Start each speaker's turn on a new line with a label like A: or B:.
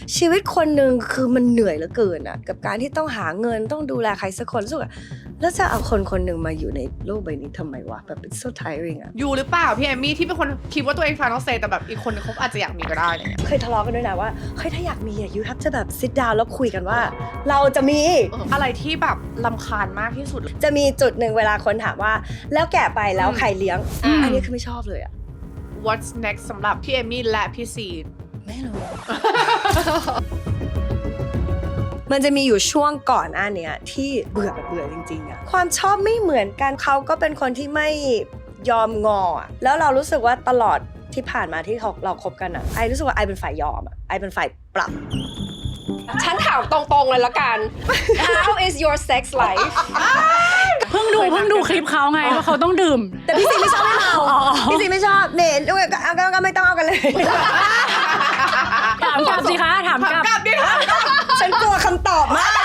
A: ชีวิตคนหนึ่งคือมันเหนื่อยเหลือเกินอะกับการที่ต้องหาเงินต้องดูแลใครสักคนรู้สึกแล้วจะเอาคนคนหนึ่งมาอยู่ในโลกใบนี้ทำไมวะแบบ it's so tiring อะ
B: อยู่หรือเปล่าพี่เอมมี่ที่เป็นคนคิดว่าตัวเอง final say แต่แบบอีกคนนึงเขาอาจจะอยากมีก็ได้อะไรเงี้ย
A: เคยทะเลาะกันด้วยนะว่าเฮ้ยถ้าอยากมีyou have to แบบ sit down แล้วคุยกันว่า เราจะมี
B: อะไรที่แบบรำคาญมากที่สุด
A: จะมีจุดหนึ่งเวลาคนถามว่าแล้วแก่ไปแล้วใครเลี้ยงอันนี้คือไม่ชอบเลยอะ
B: What's next สำหรับพี่เอมมี่และพี่ซีน
A: ไม่รู้ มันจะมีอยู่ช่วงก่อนเนี้ยที่เบื่อจริงๆอะความชอบไม่เหมือนกันเขาก็เป็นคนที่ไม่ยอมงออะแล้วเรารู้สึกว่าตลอดที่ผ่านมาที่เราคบกันอะไอรู้สึกว่าไอเป็นฝ่ายยอมอะไอเป็นฝ่ายปรับ
C: ฉันถามตรงๆเลยละกัน How is your sex life
D: เพิ่งดูคลิปเขาไงว่าเขาต้องดื่ม
A: แต่พี่ซีไม่ชอบให้เราพี่ซีไม่ชอบเน่ก็ไม่ต้องเอากันเลย
D: ถามกลับสิคะถามกลับ
B: ดิค่ะ
A: ฉันกลัวคำตอบมาก